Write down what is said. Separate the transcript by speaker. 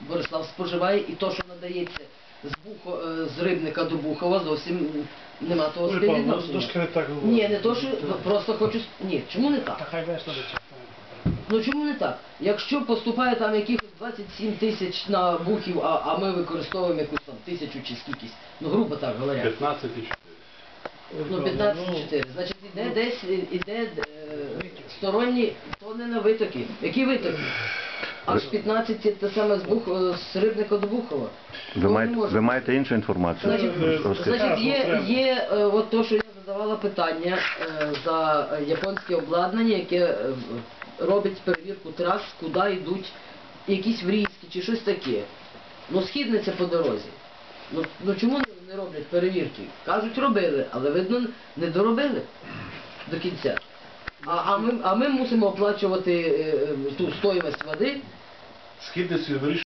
Speaker 1: Борислав споживає, і то, що надається з Рибника до Бухова, зовсім нема того співвідношення.
Speaker 2: Трошки не так говорить.
Speaker 1: Ні, не то, що просто хочу... Ні, чому не так?
Speaker 2: Та хай весно до цього.
Speaker 1: Ну чому не так? Якщо поступає там якихось 27 тисяч на Бухів, а ми використовуємо якусь там 1000 чи скількись, ну грубо так говоря.
Speaker 3: 15,4.
Speaker 1: Ну 15,4. Значить іде десь, сторонні, то не на витоки. Які витоки? Аж 15 це те саме з Рибника до Бухова.
Speaker 4: Ви маєте іншу інформацію?
Speaker 1: Значить, є от то, що я задавала питання за японське обладнання, яке робить перевірку трас, куди йдуть якісь врізки чи щось таке. Ну, східниця по дорозі. Ну чому не роблять перевірки? Кажуть, робили, але видно, не доробили до кінця. А ми мусимо оплачувати ту стоїмость води.
Speaker 3: Східниці вирішує